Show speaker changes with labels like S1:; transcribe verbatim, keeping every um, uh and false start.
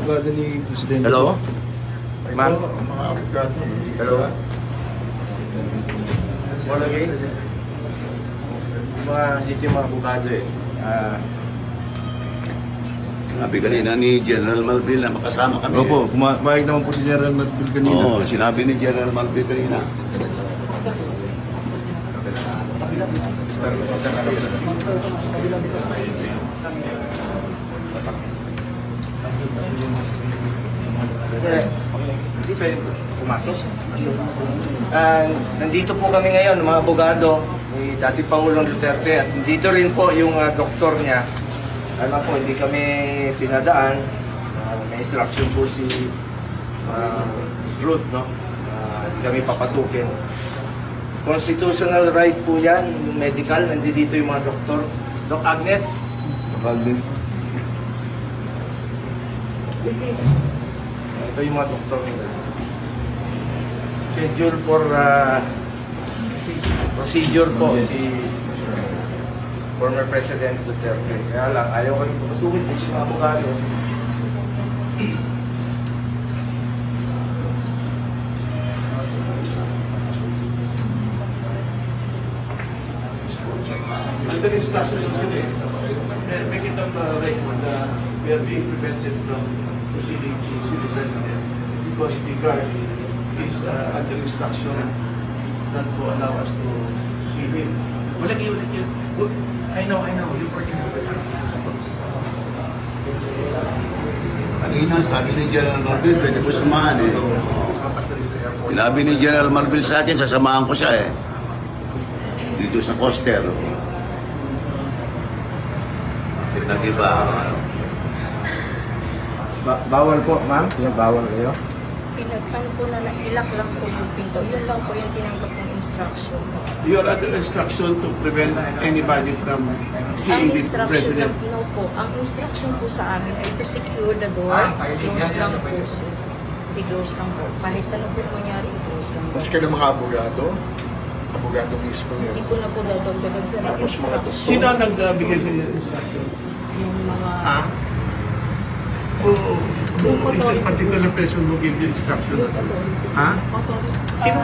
S1: abogado ni Presidente.
S2: Hello?
S1: Ay,
S2: Ma'am?
S1: po, ang mga abogado.
S2: Hello? Wala kayo? Yung mga, dito yung mga abogado eh. Ah,
S3: Sabi kanina ni General Malvin na makasama kami.
S1: Opo, kumain naman po si General Marbil kanina.
S3: Oo, sinabi ni General Malvin kanina.
S2: eh, hindi pwede pumasok. Ah, nandito po kami ngayon, mga abogado, ni dati Pangulong Duterte, at dito rin po yung ah, doktor niya. Alam po, hindi kami pinadaan. Ah, may instruction po si uh, Ruth, no? Ah, hindi kami papasukin. Constitutional right po yan, yung medical, nandito yung mga doktor. Doc Agnes?
S1: Marbil.
S2: Ito yung mga doktor nila. Schedule for uh, procedure po si former President Duterte. Kaya lang, ayaw ko rin pumasukin po sa mga abogado.
S4: Under instruction ng sila eh. Eh, Make it up uh, record na we are being prevented from proceeding to see the President because the guard is uh, under instruction not to allow us to see him.
S5: Wala kayo, wala kayo. Good. I know, I know. You're working with her.
S3: Kanina, sabi ni General Malvin, pwede ko samahan eh. Sinabi ni General Malvin sa akin, sasamahan ko siya eh. Dito sa coaster. Bakit nag-iba?
S2: Ba bawal po, ma'am? Yung bawal kayo?
S6: Pinagpan po na nailak lang po yung pinto. Yun lang po yung tinanggap ng instruction.
S4: You are under instruction to prevent anybody from seeing
S6: Ang
S4: the
S6: instruction
S4: President.
S6: lang, no po. Ang instruction po sa amin ay to secure the door. Close lang po. sir. I-close lang po. Kahit ano po mangyari, i-close lang po.
S1: Mas kayo ng mga abogado, abogado mismo yun.
S6: Hindi ko na po dadagdagan sa
S1: Tapos mga doktor.
S4: Sino ang nagbigay sa inyo ng instruction?
S6: Yung mga...
S4: Ha? Who, who is the particular person who gave the instruction?
S6: Yung authority.
S4: Ha?
S6: Authority.
S4: Sino